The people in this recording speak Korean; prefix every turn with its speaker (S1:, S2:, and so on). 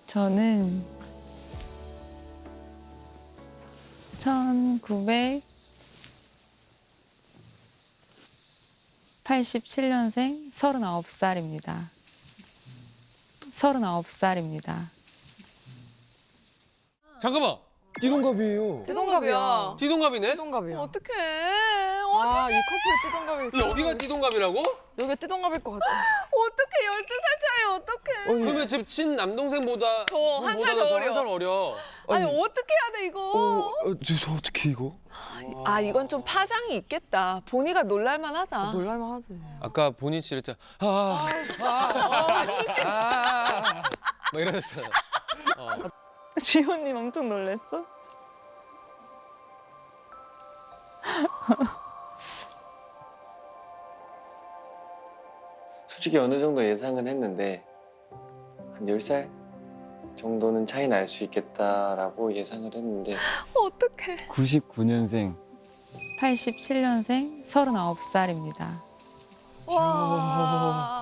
S1: 저는 1987년생 39살입니다. 39살입니다.
S2: 잠깐만.
S3: 띠동갑이에요.
S4: 띠동갑이야.
S2: 띠동갑이네?
S4: 띠동갑이야.
S5: 어떡해.
S4: 아, 이 커플 띠동갑이.
S2: 여기가 띠동갑이라고?
S4: 여기가 띠동갑일 것 같아.
S5: 어떡해. 12살 차이 어떡해.
S2: 그러면 지금 친남동생보다
S5: 더 한 살 더 어려.
S2: 한 살 어려.
S5: 아니 어떻게 해야 돼 이거.
S3: 저 어떻게 이거?
S5: 아 이건 좀 파장이 있겠다. 본이가 놀랄만 하다.
S4: 놀랄만 하지.
S2: 아까 본인 씨 이랬잖아. 막 이러셨잖아.
S1: 지호님 엄청 놀랬어?
S6: 솔직히 어느 정도 예상은 했는데 한 10살 정도는 차이 날 수 있겠다라고 예상을 했는데
S5: 어떡해.
S3: 99년생.
S1: 87년생 39살입니다.
S5: 와.